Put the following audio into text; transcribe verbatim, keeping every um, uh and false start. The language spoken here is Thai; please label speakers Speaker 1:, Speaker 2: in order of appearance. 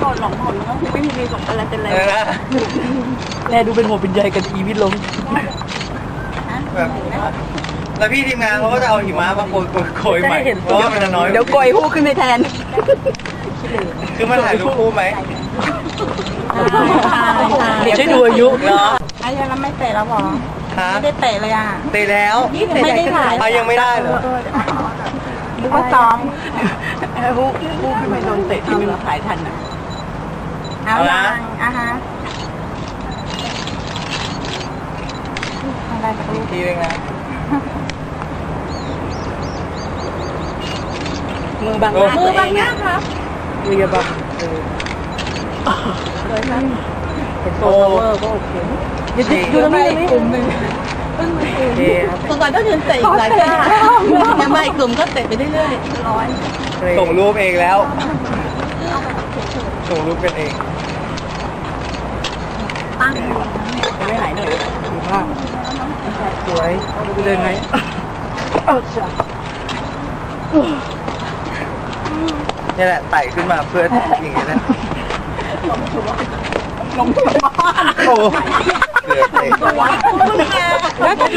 Speaker 1: ก่อนหลงหนก็คือไม่มีมีสมอะไรเป็นไร
Speaker 2: แลดูเป็นหัวเป็นใยกันอีวิทลง
Speaker 3: แบบแล้วพี่ทีมงานเขาก็จะเอาหิมะมาโกยโกยโกยใหม่เพราะว่ามันน้อย
Speaker 1: เดี๋ยวโกยหู้ขึ้นไปแทน
Speaker 3: คือมันถ่ายรูปคู่ไหม
Speaker 2: เดี๋ยวช่วยดูอายุ
Speaker 3: เนาะ
Speaker 1: ไอ้ยังไม่เตะแล้วหรอ
Speaker 3: ฮะ
Speaker 1: ไม่ได้เตะเลยอ่ะ
Speaker 3: เตะแล้ว
Speaker 1: ไม่ได้ถ่าย
Speaker 3: อ่ะยังไม่ได้เหรอ
Speaker 1: นึกว่าซ้อม
Speaker 2: ฮู้ฮู้ขึ้นไปโดนเตะที่มันถ่ายทันอ่ะ
Speaker 1: เอาละอ่ะฮะอะไรกับ
Speaker 3: อี
Speaker 1: ลู
Speaker 3: ก
Speaker 1: ก
Speaker 3: ทีนึงนะ
Speaker 2: มือบังหน้า
Speaker 1: มื
Speaker 2: ตั
Speaker 1: อ
Speaker 2: วเอ
Speaker 1: บัง
Speaker 2: ง
Speaker 1: หน้า
Speaker 2: อ่ะ
Speaker 1: ครับ
Speaker 2: มือบังเออ
Speaker 1: เลยครับ
Speaker 2: เป็นตัวเวอร์ก็โอเคเดี๋ยวดูตรงนี้กลุ่มหนึ่งโอเคครับ
Speaker 1: ตรงก่อนก็ยืนเตะอีกหลายท่ายังไม่กลุ่มก็เตะไปเรื่อยๆร้อย
Speaker 3: ส่งรูปเองแล้วส่งรูปเป็นเอง
Speaker 1: ตั้ง
Speaker 2: ไม่หายหน่อยดูภาพสวยดูเลยไหมเออจ้ะ
Speaker 3: นี่แหละไต่ขึ้นมาเพื่ออย่างนี้แหละ
Speaker 2: ลงทุนมาก
Speaker 3: โอ้เหลือเตะ
Speaker 1: คุณแม่